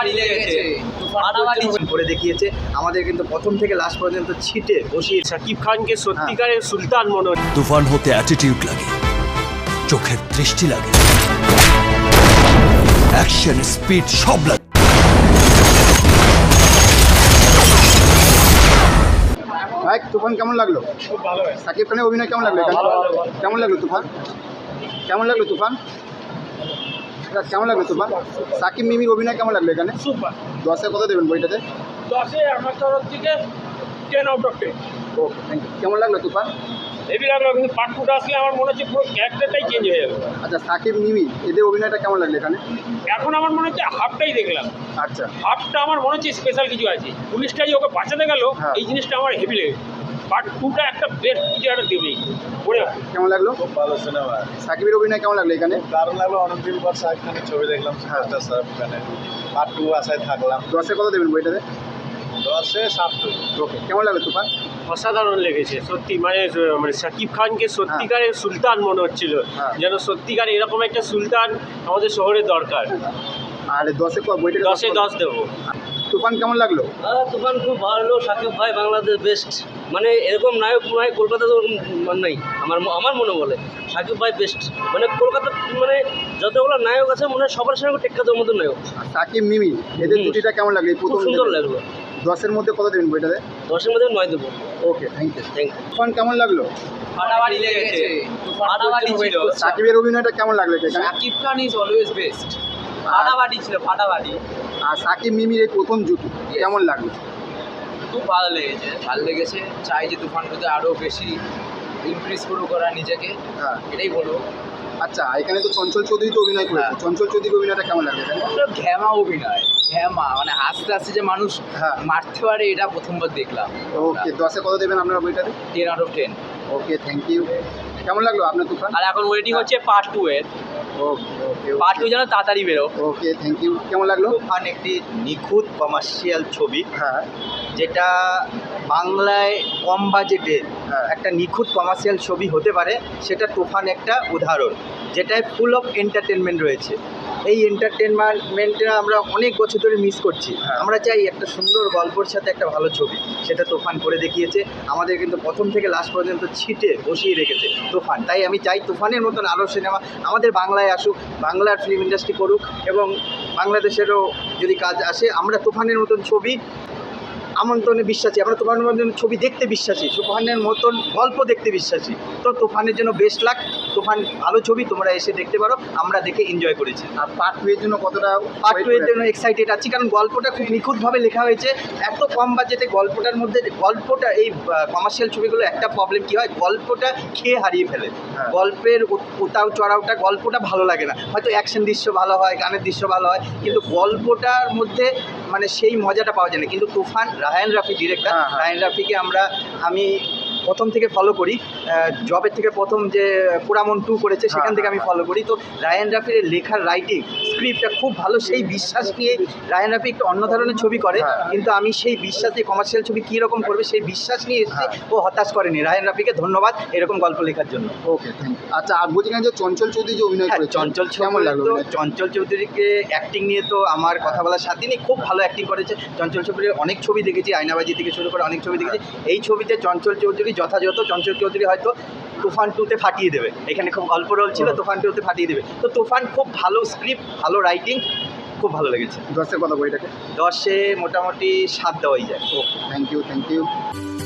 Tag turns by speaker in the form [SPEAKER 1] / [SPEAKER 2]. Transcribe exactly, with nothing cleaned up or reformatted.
[SPEAKER 1] ফাটাফাটি লেগেছে, ফাটাফাটি
[SPEAKER 2] করে দেখিয়েছে আমাদের, কিন্তু প্রথম থেকে লাস্ট পর্যন্ত ছিটে বসিয়ে
[SPEAKER 3] শাকিব খানকে সত্যিকারের সুলতান মনে হচ্ছে।
[SPEAKER 4] তুফান হতে অ্যাটিটিউড লাগে, চোখের দৃষ্টি লাগে, অ্যাকশন স্পিড সব লাগে।
[SPEAKER 2] ভাই তুফান কেমন লাগলো?
[SPEAKER 3] খুব ভালো
[SPEAKER 2] সাকিব খানের অভিনয় কেমন লাগলো এখানে? কেমন লাগলো তুফান? কেমন লাগলো তুফান? এটা কেমন লাগলো তুফান? সাকিব মিমির অভিনয় কেমন লাগলো এখানে?
[SPEAKER 3] সুপার।
[SPEAKER 2] দশে কত দেবেন বইটাতে?
[SPEAKER 3] দশে আমার তরফ থেকে ten out of ten.
[SPEAKER 2] Okay thank you. কেমন লাগলো তুফান?
[SPEAKER 3] হেভি লাগলো, কিন্তু পার্ট টুটা আসলে আমার মনে হচ্ছে পুরো ক্যারেক্টারটাই চেঞ্জ হয়ে যাবে।
[SPEAKER 2] আচ্ছা সাকিব মিমি এদের অভিনয়টা কেমন লাগলো এখানে?
[SPEAKER 3] এখন আমার মনে হচ্ছে হাফটাই দেখলাম,
[SPEAKER 2] আচ্ছা
[SPEAKER 3] হাফটা আমার মনে হচ্ছে স্পেশাল কিছু আছে। পুলিশটা যে ওকে বাঁচাতে গেল,
[SPEAKER 2] হ্যাঁ।
[SPEAKER 3] এই জিনিসটা আমার হেভি লেগেছে। পার্ট টুটা একটা বেস্ট কিছু একটা দেবেই পড়ে।
[SPEAKER 2] কেমন লাগলো?
[SPEAKER 5] খুব ভালো সিনেমা,
[SPEAKER 2] সাকিবের অভিনয় কেমন লাগলো এখানে?
[SPEAKER 5] দারুণ লাগলো। অনেকদিন পর শাহরুখ খানের ছবি দেখলাম, সুপারস্টার শাহরুখ খানের। পার্ট টু আশায় থাকলাম।
[SPEAKER 2] দশে কত দেবেন বইটাতে?
[SPEAKER 5] দশে সাত।
[SPEAKER 2] ওকে কেমন লাগলো তুফান?
[SPEAKER 3] অসাধারণ লেগেছে সত্যি, মানে মানে শাকিব খানকে সত্যিকারের সুলতান মনে হচ্ছিল,
[SPEAKER 2] হ্যাঁ।
[SPEAKER 3] যেন সত্যিকার এরকম একটা সুলতান আমাদের শহরে দরকার।
[SPEAKER 2] আর দশে বইটা
[SPEAKER 3] দশে দশ দেবো।
[SPEAKER 2] তুফান কেমন লাগলো?
[SPEAKER 1] হ্যাঁ, তুফান খুব ভালো। সাকিব ভাই বাংলাদেশ বেস্ট, মানে এরকম নায়ক ভাই কলকাতাতে ওরকম নাই, আমার আমার মনে বলে সাকিব ভাই বেস্ট। মানে কলকাতা মানে যতগুলো নায়ক আছে মনে হয় সবার সঙ্গে টেক্কা দেওয়ার মতো নায়ক।
[SPEAKER 2] সাকিব মিমি এদের
[SPEAKER 1] হুম।
[SPEAKER 2] জুটিটা কেমন লাগলো? এই
[SPEAKER 1] খুব
[SPEAKER 2] প্রথম
[SPEAKER 1] সুন্দর লাগলো।
[SPEAKER 2] দশের মধ্যে কত দেবেন বইটাতে?
[SPEAKER 1] দশের মধ্যে নয় দেবো।
[SPEAKER 2] Okay thank you.
[SPEAKER 1] Thank you.
[SPEAKER 2] Toofan কেমন লাগলো?
[SPEAKER 1] ফাটাফাটি লেগেছে, ফাটাফাটি ছিল।
[SPEAKER 2] সাকিবের অভিনয়টা কেমন লাগলো এখানে?
[SPEAKER 1] Shakib Khan is always best. ফাটাফাটি ছিল, ফাটাফাটি।
[SPEAKER 2] আর সাকিব মিমির এই প্রথম জুটি কেমন লাগলো?
[SPEAKER 1] খুব ভালো লেগেছে, ভালো লেগেছে। চাই যে তুফান টুতে আরও বেশি ইমপ্রেস করুক ওরা নিজেকে,
[SPEAKER 2] হ্যাঁ
[SPEAKER 1] এটাই বলবো।
[SPEAKER 2] আচ্ছা এখানে তো চঞ্চল চৌধুরী তো অভিনয় করেছে,
[SPEAKER 1] হ্যাঁ।
[SPEAKER 2] চঞ্চল চৌধুরীর অভিনয়টা কেমন লাগলো এখানে?
[SPEAKER 1] পুরো ঘ্যামা অভিনয়, ঘ্যামা মানে হাসতে হাসতে যে মানুষ
[SPEAKER 2] হ্যাঁ।
[SPEAKER 1] মারতে পারে, এটা প্রথমবার দেখলাম।
[SPEAKER 2] ওকে দশে কত দেবেন আপনারা বইটাতে?
[SPEAKER 1] Ten out of ten.
[SPEAKER 2] Okay thank you. কেমন লাগলো আপনার তুফান?
[SPEAKER 1] আর এখন ওয়েটিং হচ্ছে পার্ট টু এর।
[SPEAKER 2] ওকে ওকে
[SPEAKER 1] পার্ট টু যেন তাড়াতাড়ি বেরো।
[SPEAKER 2] Okay thank you. কেমন লাগলো?
[SPEAKER 6] তুফান একটি নিখুঁত কমার্শিয়াল ছবি,
[SPEAKER 2] হ্যাঁ
[SPEAKER 6] যেটা বাংলায় কম বাজেটে
[SPEAKER 2] হ্যাঁ।
[SPEAKER 6] একটা নিখুঁত কমার্শিয়াল ছবি হতে পারে, সেটা তুফান একটা উদাহরণ, যেটায় ফুল অফ এন্টারটেনমেন্ট রয়েছে। এই এন্টারটেনমেন্টটা আমরা অনেক বছর ধরে মিস করছি।
[SPEAKER 2] হ্যাঁ।
[SPEAKER 6] আমরা চাই একটা সুন্দর গল্পের সাথে একটা ভালো ছবি, সেটা তুফান করে দেখিয়েছে আমাদের, কিন্তু প্রথম থেকে লাস্ট পর্যন্ত ছিটে বসিয়ে রেখেছে তুফান। তাই আমি চাই তুফানের মতন আরও সিনেমা আমাদের বাংলায় আসুক, বাংলার ফিল্ম ইন্ডাস্ট্রি করুক, এবং বাংলাদেশেরও যদি কাজ আসে, আমরা তুফানের মতন ছবি আমন্ত্রণে বিশ্বাসী, আমরা তুফানের মতন ছবি দেখতে বিশ্বাসী, তুফানের মতন গল্প দেখতে বিশ্বাসী। তো তুফানের জন্য বেস্ট লাক। তুফান ভালো ছবি, তোমরা এসে দেখতে পারো, আমরা দেখে এনজয় করেছি।
[SPEAKER 2] আর পার্ট টু এর জন্য কতটা
[SPEAKER 6] পার্ট টু এর জন্য এক্সাইটেড আছি, কারণ গল্পটা খুব নিখুঁতভাবে লেখা হয়েছে। এত কম বাজেটে গল্পটার মধ্যে, গল্পটা এই কমার্শিয়াল ছবিগুলো একটা প্রবলেম কী হয়, গল্পটা খেয়ে হারিয়ে ফেলে।
[SPEAKER 2] হ্যাঁ।
[SPEAKER 6] গল্পের উত- উতাও চড়াওটা, গল্পটা ভালো লাগে না। হয়তো অ্যাকশন দৃশ্য ভালো হয়, গানের দৃশ্য ভালো হয়, কিন্তু গল্পটার মধ্যে মানে সেই মজাটা পাওয়া যায় না। কিন্তু তুফান, রায়ান রাফি ডিরেক্টর,
[SPEAKER 2] হ্যাঁ, হ্যাঁ।
[SPEAKER 6] রায়ান রাফিকে আমরা আমি প্রথম থেকে ফলো করি, জবের থেকে প্রথম যে পুরামন টু করেছে সেখান
[SPEAKER 2] হ্যাঁ,
[SPEAKER 6] থেকে আমি
[SPEAKER 2] হ্যাঁ।
[SPEAKER 6] ফলো করি। তো রায়ান রাফির লেখার রাইটিং স্ক্রিপ্টটা খুব ভালো, সেই বিশ্বাস নিয়ে রায়ান রাফি একটু অন্য ধরনের ছবি করে,
[SPEAKER 2] হ্যাঁ।
[SPEAKER 6] কিন্তু আমি সেই বিশ্বাস নিয়ে কমার্শিয়াল ছবি কীরকম করবে সেই বিশ্বাস নিয়ে এসেছি। ও হতাশ করেনি। রায়ান রাফিকে ধন্যবাদ এরকম গল্প লেখার জন্য।
[SPEAKER 2] Okay thank you. আচ্ছা আর বলছি যে চঞ্চল চৌধুরী যে অভিনয়
[SPEAKER 6] হ্যাঁ,
[SPEAKER 2] করেছে
[SPEAKER 6] চঞ্চল
[SPEAKER 2] কেমন লাগলো?
[SPEAKER 6] তো
[SPEAKER 2] অভিনয়?
[SPEAKER 6] চঞ্চল চৌধুরীকে অ্যাক্টিং নিয়ে তো আমার কথা বলার সাথে নেই, খুব ভালো অ্যাক্টিং করেছে। চঞ্চল চৌধুরীর অনেক ছবি দেখেছি, আয়নাবাজি থেকে শুরু করে অনেক ছবি দেখেছি। এই ছবিতে চঞ্চল চৌধুরী যথাযথ, চঞ্চল চৌধুরী হয়তো তুফান টুতে ফাটিয়ে দেবে। এখানে খুব অল্প রোল ছিল, তুফান টুতে ফাটিয়ে দেবে। তো তুফান খুব ভালো স্ক্রিপ্ট, ভালো রাইটিং, খুব ভালো লেগেছে।
[SPEAKER 2] দশের কথা বইটাকে?
[SPEAKER 6] দশে মোটামুটি সাত দেওয়াই যায়।
[SPEAKER 2] Okay thank you thank you.